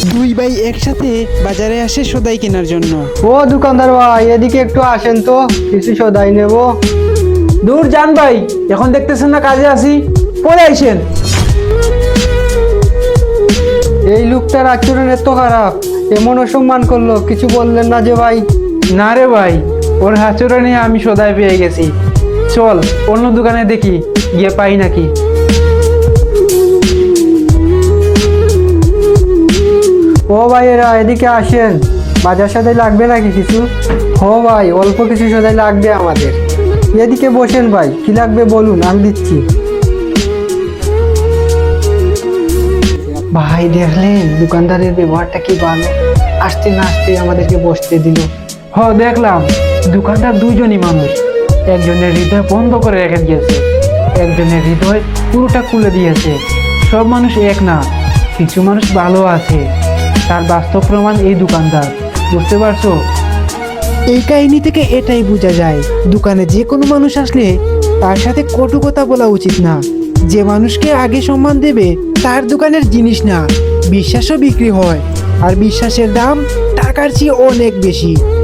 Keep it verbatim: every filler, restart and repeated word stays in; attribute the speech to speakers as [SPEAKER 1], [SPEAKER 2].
[SPEAKER 1] দুই ভাই একসাথে বাজারে আসে সদাই কেনার জন্য।
[SPEAKER 2] ও দোকানদার ভাই, এদিকে একটু আসেন তো, কিছু সদাই নেব।
[SPEAKER 3] দূর যান ভাই, এখন দেখতেছেন না কাজে আছি, পরে আইসেন।
[SPEAKER 2] এই লোকটার আচরণ এত খারাপ, এমন অসম্মান করলো, কিছু বললেন না যে ভাই?
[SPEAKER 3] না রে ভাই, ওর আচরণে আমি সদাই পেয়ে গেছি। চল অন্য দোকানে দেখি, গিয়ে পাই নাকি।
[SPEAKER 2] ও ভাইয়েরা এদিকে আসেন, বাজার সদাই লাগবে নাকি কিছু? ও ভাই, অল্প কিছু সদাই লাগবে আমাদের। এদিকে বসেন ভাই, কি লাগবে বলুন, আমি দিচ্ছি। ভাই দেখলেন দোকানদারের ব্যবহারটা কি ভালো, আসতে না আসতে আমাদেরকে বসতে দিল।
[SPEAKER 3] হ দেখলাম, দোকানদার দুইজনই মানুষ, একজনের হৃদয় বন্ধ করে রেখে দিয়েছে, একজনের হৃদয় পুরোটা খুলে দিয়েছে। সব মানুষ এক না, কিছু মানুষ ভালো আছে, তার বাস্তব প্রমাণ এই দোকানদার। বুঝতে পারছো?
[SPEAKER 1] এই কাহিনী থেকে এটাই বোঝা যায়, দোকানে যে কোনো মানুষ আসলে তার সাথে কটু কথা বলা উচিত না। যে মানুষকে আগে সম্মান দেবে তার দোকানের জিনিস না, বিশ্বাসও বিক্রি হয়, আর বিশ্বাসের দাম টাকার চেয়ে অনেক বেশি।